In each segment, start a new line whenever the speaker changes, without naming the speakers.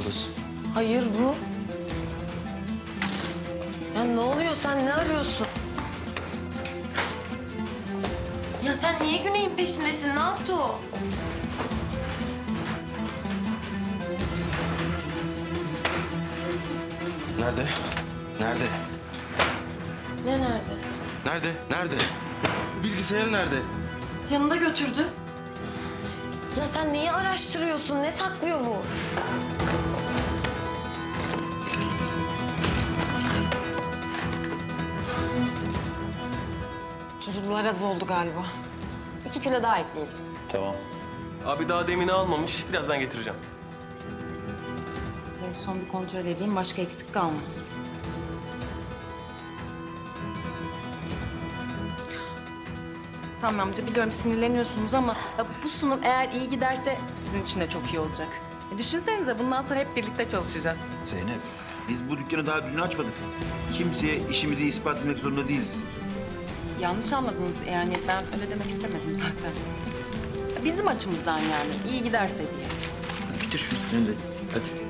ablası.
Hayır bu. Ya ne oluyor? Sen ne arıyorsun? Ya sen niye Güney'in peşindesin? Ne yaptı o?
Nerede? Nerede?
Ne nerede?
Nerede? Nerede? Bilgisayarı nerede?
Yanında götürdü. Ya sen neyi araştırıyorsun? Ne saklıyor bu?
Tuzlular az oldu galiba. 2 kilo daha ekleyelim.
Tamam.
Abi daha demini almamış. Birazdan getireceğim.
Son bir kontrol edeyim, başka eksik kalmasın. Sami amca biliyorum sinirleniyorsunuz ama ya bu sunum eğer iyi giderse sizin için de çok iyi olacak. Düşünsenize bundan sonra hep birlikte çalışacağız.
Zeynep, biz bu dükkanı daha dün açmadık. Kimseye işimizi ispat etmek zorunda değiliz.
Yanlış anladınız yani ben öyle demek istemedim zaten. Bizim açımızdan yani iyi giderse diye.
Hadi bitir şu işini de. Hadi.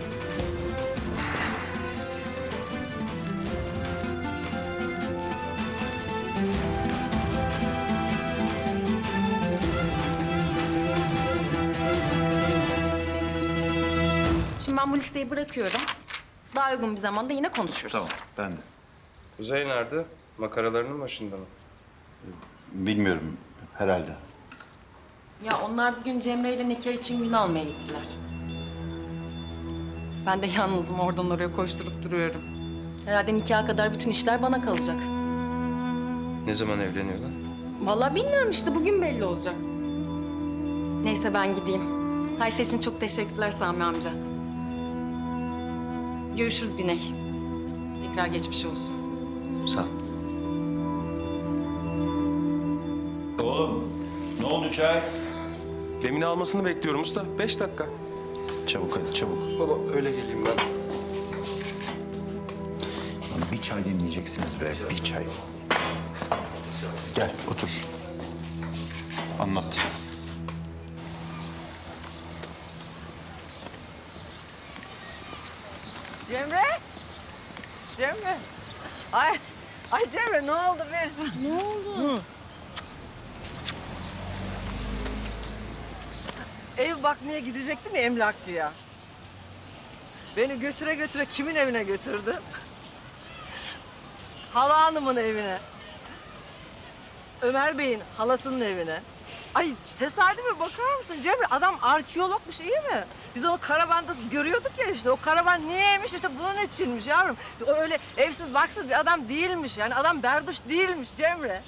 Şimdi ben bu listeyi bırakıyorum. Daha uygun bir zamanda yine konuşuruz.
Tamam, ben de.
Kuzey nerede? Makaralarının başında mı?
Bilmiyorum, herhalde.
Ya onlar bugün Cemre ile nikah için gün almaya gittiler. Ben de yalnızım oradan oraya koşturup duruyorum. Herhalde nikaha kadar bütün işler bana kalacak.
Ne zaman evleniyorlar?
Vallahi bilmiyorum işte bugün belli olacak. Neyse ben gideyim. Her şey için çok teşekkürler Sami amca. Görüşürüz Güney. Tekrar geçmiş olsun.
Sağ ol. Oğlum, ne oldu çay?
Demini almasını bekliyorum usta. 5 dakika.
Çabuk hadi, çabuk.
Baba öyle geleyim ben.
Lan bir çay demleyeceksiniz be, bir çay. Gel, otur. Anlat.
Cemre? Cemre? Ay Cemre ne oldu benim? Ne oldu? Ev bakmaya gidecektim ya emlakçıya. Beni götüre götüre kimin evine götürdü? Hala hanımın evine. Ömer Bey'in halasının evine. Ay tesadüfe bakar mısın Cemre? Adam arkeologmuş iyi mi? Biz onu karavanda görüyorduk ya işte. O karavan niyeymiş işte bunun içinmiş yavrum. O öyle evsiz barksız bir adam değilmiş. Yani adam berduş değilmiş Cemre.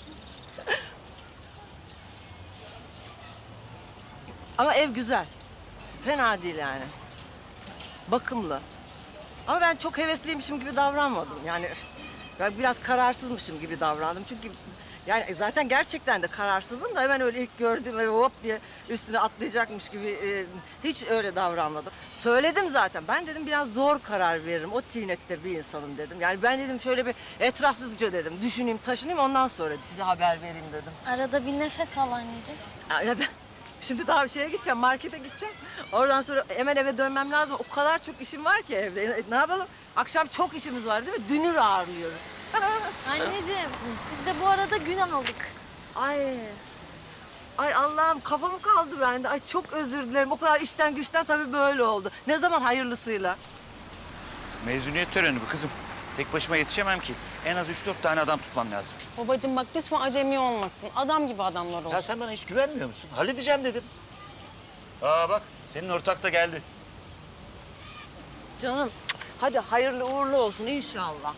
Ama ev güzel. Fena değil yani. Bakımlı. Ama ben çok hevesliymişim gibi davranmadım. Yani ben biraz kararsızmışım gibi davrandım. Çünkü yani zaten gerçekten de kararsızım da hemen öyle ilk gördüğüm evi hop diye üstüne atlayacakmış gibi hiç öyle davranmadım. Söyledim zaten. Ben dedim biraz zor karar veririm. O tinette bir insanım dedim. Yani ben dedim şöyle bir etraflıca dedim. Düşüneyim, taşınayım ondan sonra size haber vereyim dedim.
Arada bir nefes al anneciğim.
Ya ben şimdi daha şeye gideceğim, markete gideceğim. Oradan sonra hemen eve dönmem lazım. O kadar çok işim var ki evde. Ne yapalım? Akşam çok işimiz var değil mi? Dünür ağırlıyoruz.
Anneciğim biz de bu arada gün aldık.
Ay. Ay Allah'ım kafamı kaldı bende. Ay çok özür dilerim. O kadar işten güçten tabii böyle oldu. Ne zaman hayırlısıyla?
Mezuniyet töreni bu kızım. Tek başıma yetişemem ki. En az 3-4 tane adam tutmam lazım.
Babacığım bak lütfen acemi olmasın. Adam gibi adamlar olsun.
Ya sen bana hiç güvenmiyor musun? Halledeceğim dedim. Aa bak senin ortak da geldi.
Canım hadi hayırlı uğurlu olsun inşallah.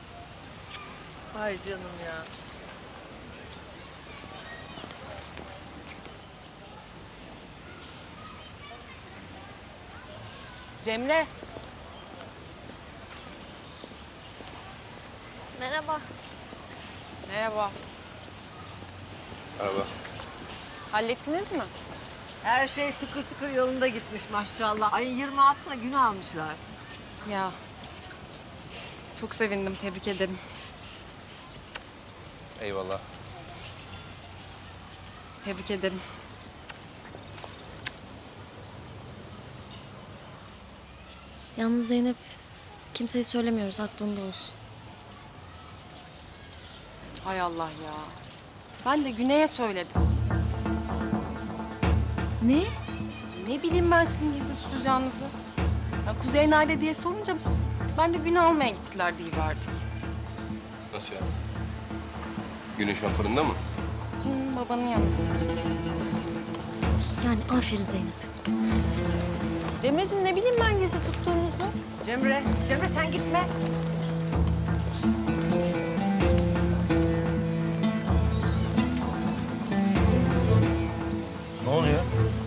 Ay canım ya.
Cemre.
Merhaba.
Merhaba.
Merhaba.
Hallettiniz mi?
Her şey tıkır tıkır yolunda gitmiş maşallah. Ay 26'sına gün almışlar.
Ya. Çok sevindim. Tebrik ederim.
Eyvallah.
Tebrik ederim.
Yalnız Zeynep, kimseye söylemiyoruz, aklında olsun.
Hay Allah ya. Ben de Güney'e söyledim.
Ne?
Ne bileyim ben sizin gizli tutacağınızı. Ya Kuzey nerede diye sorunca ben de Güney almaya gittiler diyiverdim.
Nasıl yani? Güneş şu an fırında mı?
Babanın yanında.
Yani aferin Zeynep.
Cemre'cim ne bileyim ben gizli tuttuğunuzu.
Cemre, Cemre sen gitme.
Ne oluyor?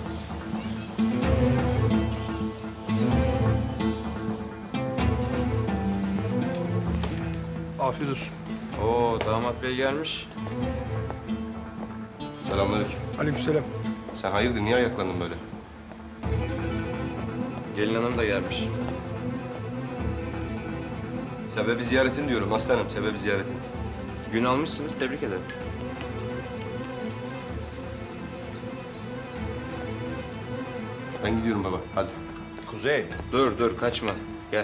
Afiyet olsun.
Oo, damat bey gelmiş.
Selamünaleyküm.
Aleykümselam.
Sen hayırdır, niye ayaklandın böyle?
Gelin hanım da gelmiş.
Sebebi ziyaretin diyorum aslanım, sebebi ziyaretin.
Gün almışsınız, tebrik ederim.
Ben gidiyorum baba, hadi.
Kuzey.
Dur, kaçma. Gel.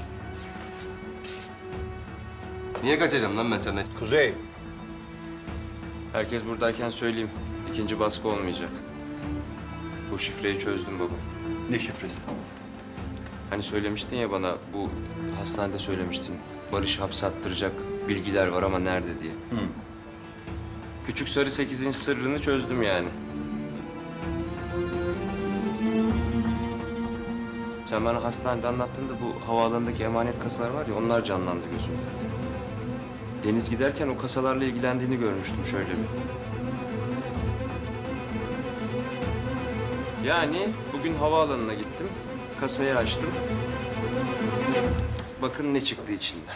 Niye kaçacağım lan ben senden?
Kuzey.
Herkes buradayken söyleyeyim. İkinci baskı olmayacak. Bu şifreyi çözdüm baba.
Ne şifresi?
Hani söylemiştin ya bana, bu hastanede söylemiştin. Barış hapse attıracak bilgiler var ama nerede diye. Küçük Sarı 8. sırrını çözdüm yani. Sen bana hastanede anlattığında bu havaalanındaki emanet kasalar var ya, onlar canlandı gözümde. Deniz giderken o kasalarla ilgilendiğini görmüştüm şöyle bir. Yani bugün havaalanına gittim, kasayı açtım. Bakın ne çıktı içinden.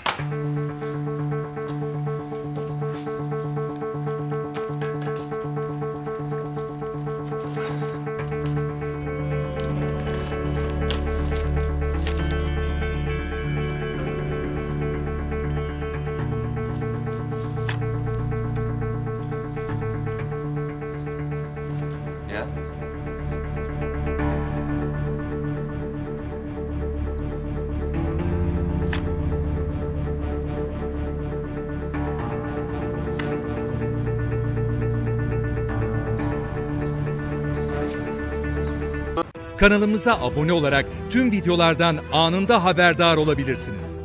Ya.
Kanalımıza abone olarak tüm videolardan anında haberdar olabilirsiniz.